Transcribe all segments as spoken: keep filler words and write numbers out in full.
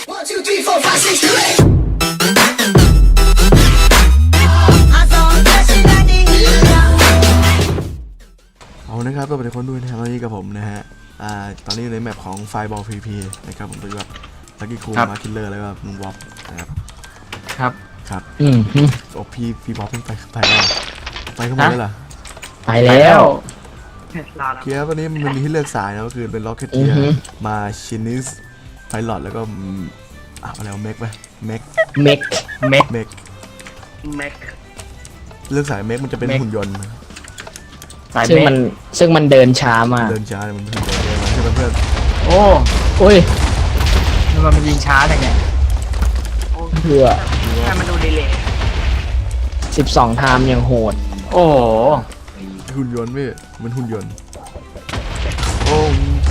One, two, three, four, five, six, seven, eight. เอานะครับตัวเป็นคนด้วยนะครับตอนนี้กับผมนะฮะอ่าตอนนี้อยู่ในแมปของไฟบอล พี พี นะครับผมตัวแบบลักกี้คูลมาคิลเลอร์แล้วก็ลุงวอปนะครับครับครับอืมโอ้พี่พี่บอปเพิ่งไปไปแล้วไปเข้ามาเลยเหรอไปแล้วเกียร์ตอนนี้มันมีให้เลือกสายนะก็คือเป็นล็อกเก็ตเทียมาชินิสไพลอตแล้วก็อ่ะอะไรวะเมกไหมเมกเมกเมกเมกเมกเลือกสายเมกมันจะเป็นหุ่นยนต์สายซึ่งเมมันกซึ่งมันเดินช้ามากเดินช้าเลยมันหุ่นยนต์เลยใช่ไหมเพื่อนโอ้โอ้ยมันมันยิงช้าจังเนี่ยเพื่อให้มันดูดีเลยสิบสองไทม์ยังโหดโอ้โหหุ่นยนต์พี่มันหุ่นยนต์โอ้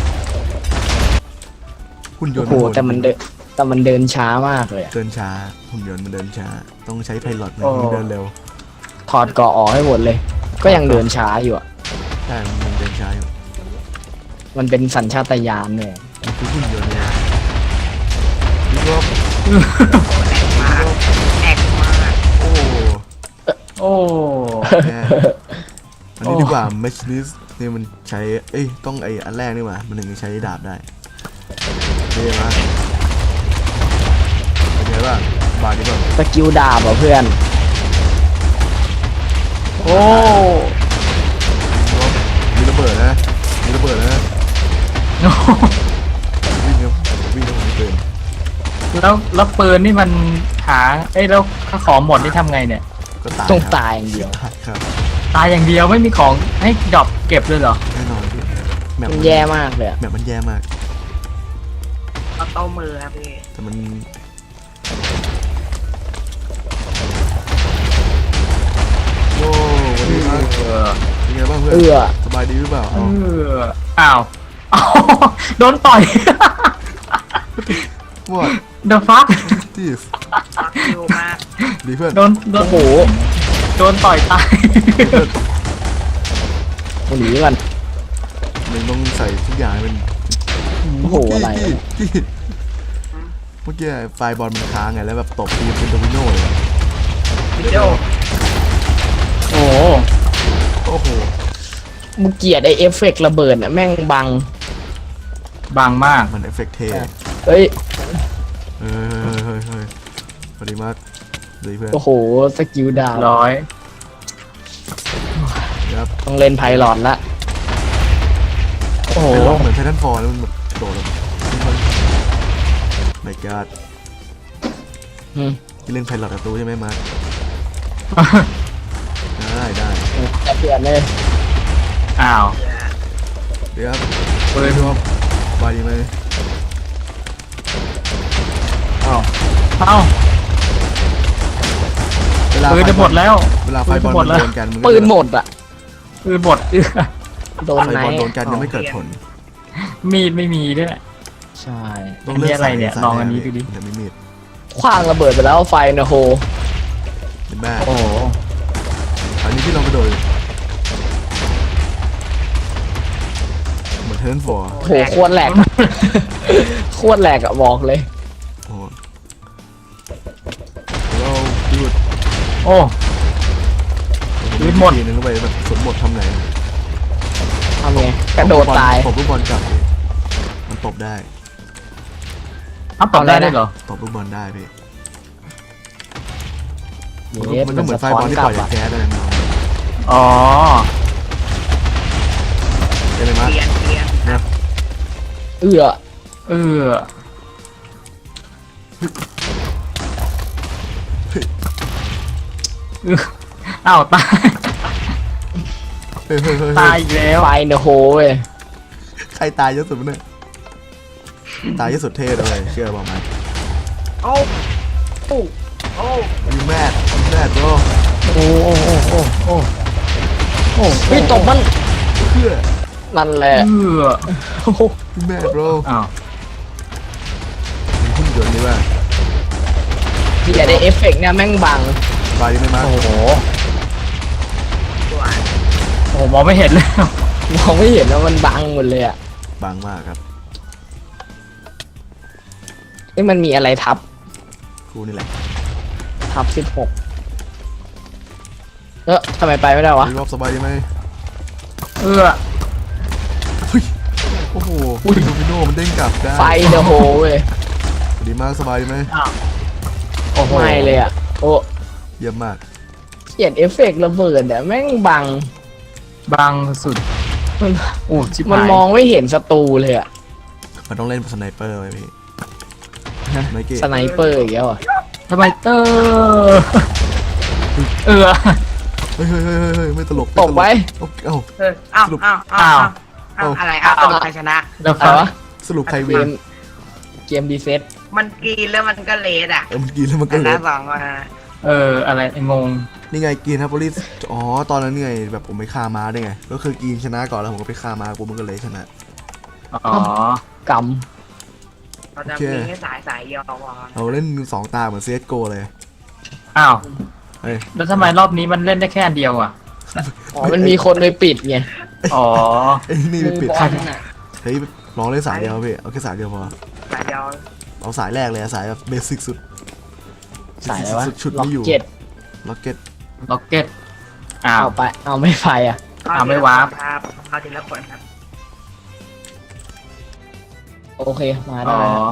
หุ่นยนต์โอ้โหแต่มันเดินแต่มันเดินช้ามากเลยอะเดินช้าหุ่นยนต์มันเดินช้าต้องใช้ไพลอตมันเดินเร็วถอดเกาะออกให้หมดเลย ก็ยังเดินช้าอยู่อะใช่มันเดินช้าอยู่มันเป็นสัญชาตญาณเลยมันคือหุ่นยนต์เนี่ยพี่รอบแอกมากโอ้โอ้แย่อันนี้ดีกว่าแมชลิสนี่มันใช้เอ้ยต้องไออันแรกนี่หว่ามันถึงจะใช้ดาบได้เท่มากเป็นไงบ้างบาดีป่ะสกิลดาบอ่ะเพื่อนโอ้มีระเบิดนะมีระเบิดนะวิ่งครับวิ่งแล้วผมปืนแล้วแล้วปืนนี่มันหาเอ้ยแล้วถ้าของหมดนี่ทำไงเนี่ยก็ตายต้องตายอย่างเดียวครับตายอย่างเดียวไม่มีของให้ดรอปเก็บเลยเหรอแน่นอนพี่แมปมันแย่มากเลยอะแมปมันแย่มากเอาโต้มือครับพี่แต่มันโอ้วันนี้ครับเป็นไงบ้างเพื่อนเอื้อสบายดีหรือเปล่าเอเอาออ้าวอ้าวโดนต่อยวอด The fuck ทีสฟักคิวมากดีเพื่อนโดนโดนโอ้โหโดนต่อยตายหนีมันมันต้องใส่ทุกอย่างให้มันโอ้โหอะไรกี้กี้กี้เมื่อกี้ไฟบอลมันค้างไงแล้วแบบตบทีมเป็นโดมิโน่เลยวิดีโอโอ้โหโอ้โหมึงเกลียดไอเอฟเฟกต์ระเบิดอ่ะแม่งบังบางมากมันเอฟเฟกต์เทเอ้ยเฮ้ยเฮ้ยเฮ้ยสวัสดีมากดีเพื่อนโอ้โห สกิลดาบร้อยครับต้องเล่นไพลอตละโอ้โหเป็นล็อกเหมือนไททันฟอร์แล้วมันแบบโดดแบบไม่กาดอืมที่เล่นไพลอตกับตูใช่ไหมมาร์คได้ได้จะเปลี่ยนเลยอ้าวเดี๋ยวครับปืนชอบสบายดีไหมอ้าวเอ้าเวลาปืนจะหมดแล้วเวลาไฟบอลปืนจะหมมัดนแล้วโดนกันมันก็ปืนหมดอ่ะปืนหมดเอื้อโดนไฟไหนบอลโดนกันยังไม่เกิดผลมีดไม่มีด้วยใช่ต้องเลือกอันนี้อะไรเนี่ยสาลองอันนี้ดูดิแต่ไม่มีดคว้างระเบิดไปแล้วไฟนะโฮเป็นแม่โอ้โหอันนี้ที่เราไปโดยเหมือนเทิร์นฟอร์โหโคตรแหลก โคตรแหลกอะบอกเลยโอ้เราดูดโอ้ ปืนหมดทีนึงเข้าไปแบบสมหมดทำไงทำไงกระโดดตายตบลูกบอลกลับมันตบได้อัพตอบได้ด้วยเหรอตบลูกบอลได้พี่เยสมันก็มันเหมือนสะ ท้อไฟบอน ลที่กปลัล่อบ ยจากอะแก๊สอะไรมาอ๋อเป็นไรมั้ยเปลี่ยนเปลี่ยนนะเอื้อเออเอออ้าวตายเฮ้ยเฮ้ยเฮ้ยตายอีกแล้วไฟนะโฮเว้ยใครตายเยอะสุดเนี่ยตายเยอะสุดเท่เลยเชื่อบอกไหมโอ้โอ้โอ้ยูแมดยูแมดโบรโอ้โอ้โอ้โอ้โอ้โอ้พี่ตบมันเพื่อนั่นแหละเออโอ้โหยูแมดโบรอ้าวมีหุ่นยนต์นี่ว่าเกลียดไอเอฟเฟกต์เนี่ยแม่งบังบายดีไหมมาโอ้โหตัวโอ้โหมองไม่เห็นแล้วมองไม่เห็นว่ามันบังหมดเลยอะบางมากครับนี่มันมีอะไรทับกูนี่แหละทับสิบหกเออทำไมไปไม่ได้วะรีบอบสบายดีไหมเออเฮ้ยโอ้โหดูพิโน่มันเด้งกลับได้ไฟเดอะโฮเว้ยดีมากสบายดีไหมอ้าวโอ้โหไม่เลยอ่ะโอ้เยี่ยมมากเขียนเอฟเฟกต์ระเบิดอ่ะแม่งบังบางสุดมันโอ้ชิบมันหายมองไม่เห็นศัตรูเลยอ่ะมันต้องเล่นสไนเปอร์ไว้พี่ไมเก้สไนเปอร์อีกแล้วอ่ะทำไมเตอร์เออเฮ้ยเฮ้ยเฮ้ยเฮ้ยไม่ตลกตกไว้เอ้าเอออ้าวอ้าวอ้าวอ้าวอะไรอ้าวตกใครชนะแล้วอะไรฟังวะสรุปใครเกวินมเกมดีเซ็ตมันกินแล้วมันก็เลดอ่ะเออมันกินแล้วมันชก็เลนะยสองคนนะเอออะไรไอ้งงนี่ไงกินครับโพลิสอ๋อตอนนั้นไงแบบผมไปฆ่าม้าได้ไงก็คือกินชนะก่อนแล้วผมก็ไปฆ่าม้ากูมันก็เลยชนะอ๋อกเราจะมีแค่สายสายเดียวพอเราเล่นสองตาเหมือนเซตโกเลยอ้าวเฮ้ยแล้วทำไมรอบนี้มันเล่นได้แค่อันเดียวอ่ะำอ๋อมันมีคนไปปิดไงอ๋อไอ้นี่ไปปิดมือบอลน่ะเฮ้ยลองเล่นสายเดียวพี่เอาแค่สายเดียวพอสายเดียวเอาสายแรกเลยอะสายแบบเบสิกสุดสายอะไรวะสุดชุดล็อไม่กอยู่เก็ตล็อกเก็ตล็อกเก็ตอ้าวเอาไปเอาไม่ไฟอ่ะอ่าไม่วาร์ปครับเข้าทีละคนครับโอเคมาอ๋ได้อแล้ว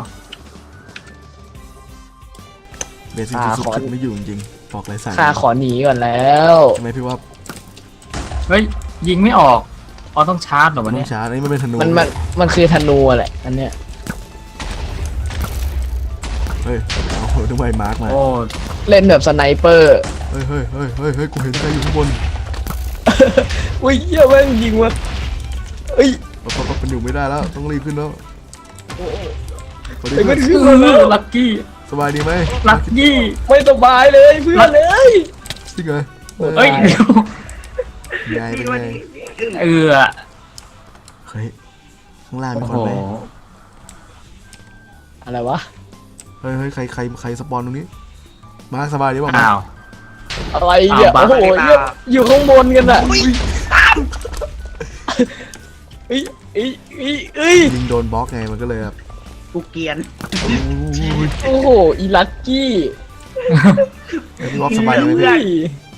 เบสิกอ่าสุดขอชุดไม่อยู่จริงๆบอกเลยสายข้าขอหนีก่อนแล้วใช่ไหมพี่ว่าเฮ้ยยิงไม่ออกอ๋อต้องชาร์จเหรอวะต้เนี่อย งชาร์จอันนี้มันเป็นธนูมันมันมันคือธนูอะแหละอันเนี้ยเฮ้ยเอาทำไมมาร์กมาโอ้เล่นแบบสไนเปอร์เฮ้ยเฮ้ยเฮ้ยเฮ้ยเฮ้ยกูเห็นใครอยู่ข้างบนอุ้ยเหี้ยแม่งยิงวะเอ้ยปั๊บปั๊บปั๊บมันอยู่ไม่ได้แล้วต้องรีบขึ้นแล้วสวัสดีไอ้เพื่มัอน นขึ้นมาแล้วลักกี้สบายดีไหมลักกี้ไม่สบายเลยเพื่อนเลยจริงเหรอเฮ้ยเดี๋ยวไงเป็นไงเออเฮ้ยข้างล่างมีโอ้คนโหไหมอะไรวะเฮ้ยเฮ้ยใครใครใครสปอนตรงนี้มาร์คสบายดีป่ะมาอ้าวอะไรเนี่ยอ้าวโอ้โหบ้าเหี้ยอยู่ข้างบนกันอ่ะเอ้ยเอ้ยเอ้ยเอ้ยยิงโดนบล็อกไงมันก็เลยแบบกูเกียนอุ้ยโอ้โหอีลักกี้เฮ้ยพี่วอฟสบายดีไหมพี่เฮ้ย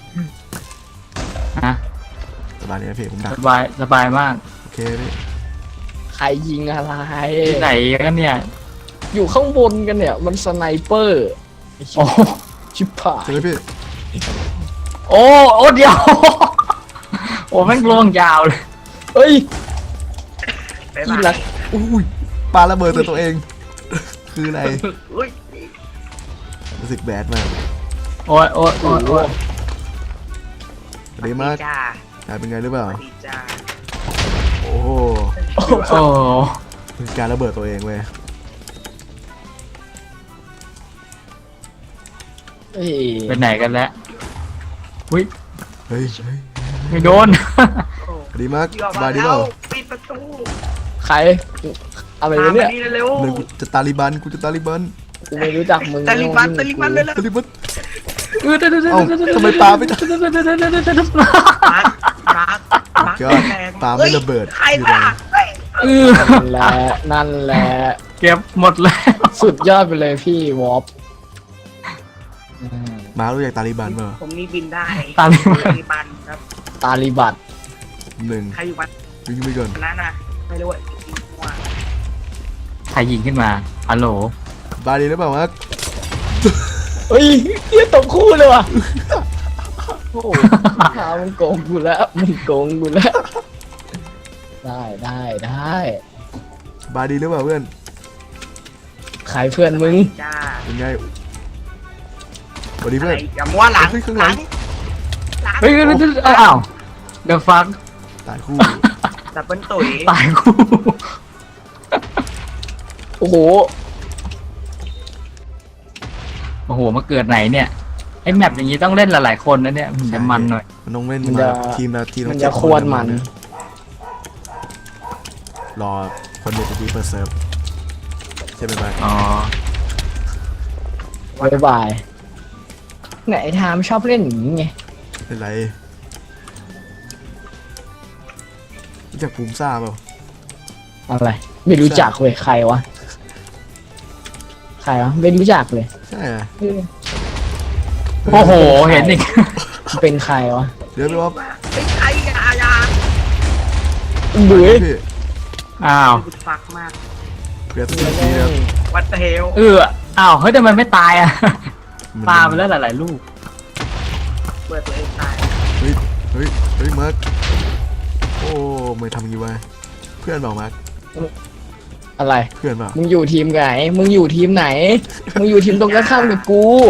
ฮะสบายดีไหมพี่ผมดักสบายสบายมากโอเคพี่ใครยิงอะไรที่ไหนกันเนี่ยอยู่ข้างบนกันเนี่ย มันสไนเปอร์ไอ้ชิโอ้บชิบหายใช่ไหมพี่โอ้โอ้เดียว โอ้แม่งล่วงยาวเลยเอ้ยไปอีบ้าลักอุ้ยปาระเบิดใส่ตัวเอง คืออะไรอุ้ยรู้สึกแบดมากโอ้ยโอ้ยโอ้ยโอ้ยสวัสดีมากจ้ากลายเป็นไงหรือเปล่าสวัสดีจ้าโอ้โหโอ้เป็นการระเบิดตัวเองเว้ยเอ้ยเป็นไหนกันแล้วอุ้ยเฮ้ยเฮ้ยไม่โดนโอ้สวัสดีมากยอมสมาบายดีแล้เปล่าวปิดประตูใครอะไรมาวะเนี่ยนี่เร็วเลยกูจะตาลิบันกูจะตาลิบันกูไม่รู้จักมึงตาลิบันตาลิบันเลยแล้วตาลิบันเออเดี๋ยวเดี๋ยวเดี๋ยวเอ้าเดี๋ยวเดี๋ยวทำไมปาไม่ได้เดี๋ยวเดี๋ยวเดี๋ยวเดี๋ยวเดี๋ยวเดี๋ยวมาร์คมาร์คมาร์คก็แรงปาไม่ระเบิดใครล่ะเฮ้ยเออนั่นแหละนั่นแหละเก็บหมดแล้วสุดยอดไปเลยพี่วอปมารู้จักตาลิบันเปล่าผมนี่บินได้ตาลิบันตาลิบันครับตาลิบัตหนึ่งใครอยู่บ้านวิ่งไปก่อนนั้นนะไม่รู้ว่าอีกว่าใครยิงขึ้นมาฮัลโหลบายดีหรือเปล่ามาร์คเฮ้ยเฮียตกคู่เลยว่ะโอ้โหพามึงโกงกูแล้วมึงโกงกูแล้ว ได้ได้ได้บายดีหรือเปล่าเพื่อนใครเพื่อนมึงจ้าเป็นไงสวัสดีอะเพื่ไรอนอย่ามัวหลังเฮ้ยข้างหหลัลังงหลังเฮ้ยเดี๋ยวเดี๋ยวเดี๋ยวอ้าวเดี๋ยวฟังตายคู่ดับเบิลตุ๋ยตายคู่โอ้โหโอ้โหมาเกิดไหนเนี่ยไอ้แมปอย่างนี้ต้องเล่นหลายๆคนนะเนี่ยมันจะมันหน่อยมันต้องเล่นมันจะมาทีมละทีมละมันเจ็จะดควรมันรอคนเดียวจะดีเฟิร์สเซิร์ฟใช่ไหมบ้างอ๋อบายบายไหนไทามชอบเล่นอย่างนี้ไงเป็นไรรู้จักภูมิซ่าเปล่าอะไร ไม่รู้จักเว้ยใครวะใครวะไม่รู้จักเลยใช่ไงเออโอ้โหเห็นอีกเป็นใครวะเดี๋ยวพี่ว่าไอ้ไอ้ยายาบุ๋ยพี่อ้าวบุดฟักมากเปลี่ยนตัวทีนะครับวัดเทลเอออ้าวเฮ้ยทำไมไม่ตายอ่ะปาไปแล้วหลายๆลูกเปิดตัวเองตายเฮ้ยเฮ้ยเฮ้ยมาร์คโอ้ไม่ทำงี้วะเพื่อนเปล่ามาร์คอะไรเพื่อนเปล่ามึงอยู่ทีมไหน มึงอยู่ทีมไหน มึงอยู่ทีมตรงกันข้ามกับกู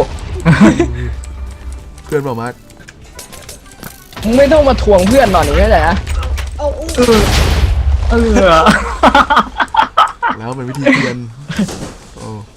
เพื่อนเปล่ามาร์คมึงไม่ต้องมาทวงเพื่อนหน่อยนี่เข้าใจนะเอาอู้เออเออแล้วเป็นวิธีเปลี่ยนโอ้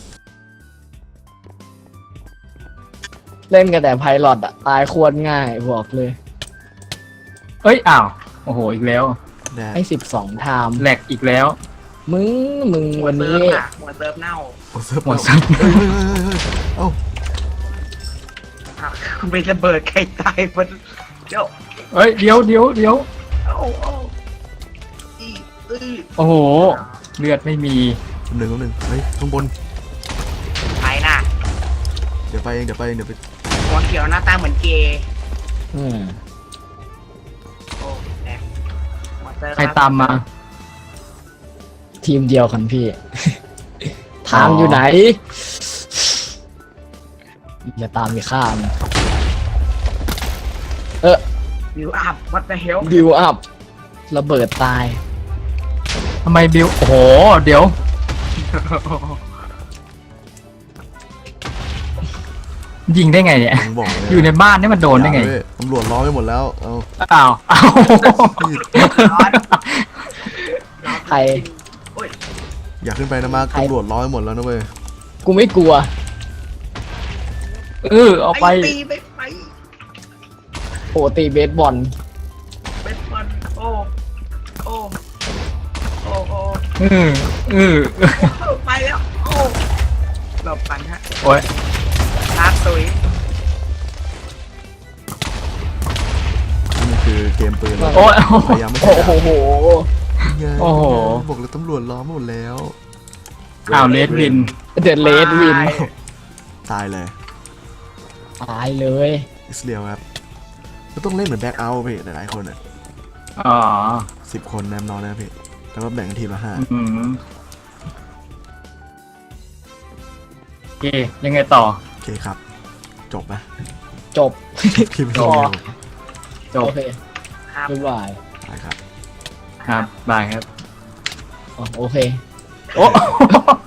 เล่นกันแต่ไพลอตอะตายควรง่ายบอกเลยเอ้ยอ้าวโอ้โหอีกแล้วแดดให้สิบสองไทม์แหลกอีกแล้วมึง มึงวันนี้เซิร์ฟอะหัวเซิร์ฟเน่าโอ้เซิร์ฟหมดเปซัล่าบเฮ้ยเฮ้ยเฮ้ยเฮ้ยเอ้าอ่ะคุณไประเบิดใครตายมันเจ้าเอ้ยเดี๋ยวเดี๋ยวเดี๋ยวเอาเอาอีอื้อโอ้โหเลือดไม่มีหนึ่งหนึ่งเฮ้ยข้างบนไปน่ะเดี๋ยวไปเองเดี๋ยวไปเองเดี๋ยวไปหัวเขียวหน้าตาเหมือนเกย์อืมโอ้แดงหัวเซิร์ฟใครตามมาทีมเดียวกันพี่ ไทม์อยู่ไหน อย่าตามไปข้ามวิวอัพวัดเทลบิวอัพระเบิดตายทำไมบิวโอ้โหเดี๋ยว ยิงได้ไงเนี่ยผมบอกเลยอยู่ในบ้านนี่มันโดนได้ไงอย่าเว้ยตำรวจล้อมไปหมดแล้วเอาอ้าวอ้าวร้อนใครโอ้ยอยากขึ้นไปนะมาร์คใครตำรวจล้อมไปหมดแล้วนะเว้ยกูไม่กลัวเออเอาไปไอ้ตีไปไปโอ้ตีเบสบอลเป็นบอลโอ้โอ้โอ้โอ้เออเออโอ้ไปแล้วโอ้หลบกันฮะโอ้ยลาดตุยนี่คือเกมปืนโอ้ยพยายามไม่โอ้ใช่โหไงโอ้โหบอกเลยตำรวจล้อมหมดแล้วอ้าวเลดวินเดอะเลดวินตายเลยตายเลยอิสเรียลครับก็ต้องเล่นเหมือนแบ็คเอาท์พี่หลายๆคนอ่ะอ๋อสิบคนแนมนอนนะพี่แล้วก็แบ่งกันทีมละห้าอืมโอเคยังไงต่อโอเคครับ จบไหมจบคลิปต่นี้อจบโอเคครับบ๊ายบายไปครับครับบายครับอ๋อโอเคโอ้